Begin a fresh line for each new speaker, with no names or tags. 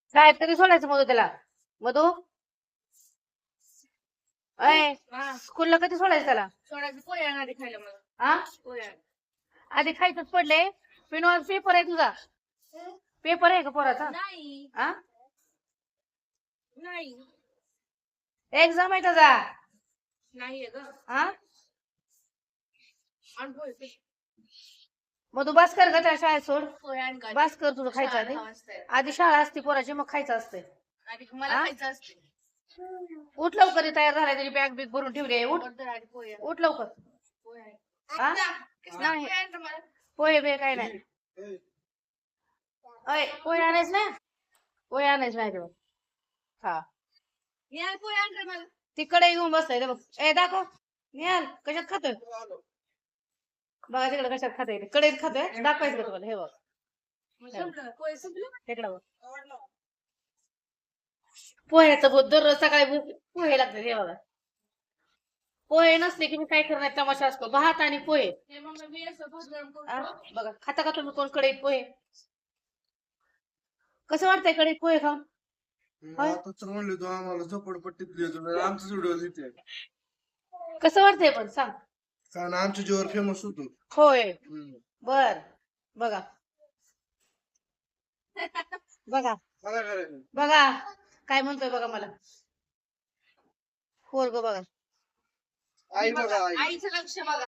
काय तरी सोडायचं मधू त्याला. मधू अय स्कूलला कधी सोडायचं त्याला?
सोडायचं पोहे आधी खायला मला.
हा
पोहे
आधी खायचंच पडले. पिनवाल पेपर आहे तुझा? पेपर आहे का पोराचा?
नाही
हा
नाही
एक्झाम आहे त्याचा.
नाहीये ग.
हा
आणि पोहे
मधू बस कर का त्या शाळेत सोड.
पोहे आणि काय?
बस कर तुझं खायचं आधी.
शाळा वाजताय.
आधी शाळा असते पोराची मग खायचं असते.
आधी मला
हा?
खायचं असते.
उठ लवकर तयार झालाय तरी बॅग बिग भरून ठेवली. उठ
बरं, आधी पोहे
उठ लवकर.
पोहे आहे.
हा
नाही पोहे आणतो मला.
पोहे बे काय नाही. अय पोहे आणायच ना. पोहे आणायच नाही तेव्हा. हा
निहाल पोहे आणतो मला.
तिकडे घेऊन बसलाय ते बघ. ए दाखव निहाल कशात खातोय बघा तिकडे कशात खातोय. कडेत खातोय. दाखवायचं का तुम्हाला? हे बघ
संपलं पोहे संपलं.
तिकडं बघ. पोह्याचं बहुत दररोज सकाळी पोहे लागतात. हे बघा पोहे नसले की मी काय करणार तमाशा असतो. भात आणि पोहे.
हे मग मी असं भात गरम करून
आ, बघा खाता का तुम्ही कोण कढईत पोहे? कसं वाटतंय कढईत पोहे खाऊन? होय?
आता तर म्हणले तू आम्हाला झोपडपट्टीत लिहितो आमचं व्हिडिओ लिहिते
कसं वाटतंय पण सांग.
कारण आमच्या जीवर फेमस होतो.
होय बर बघा बघा
काय करायचं
बघा काय म्हणतोय बघा मला. पोरग बघा
आई बघा आई
आईचं लक्ष बघा.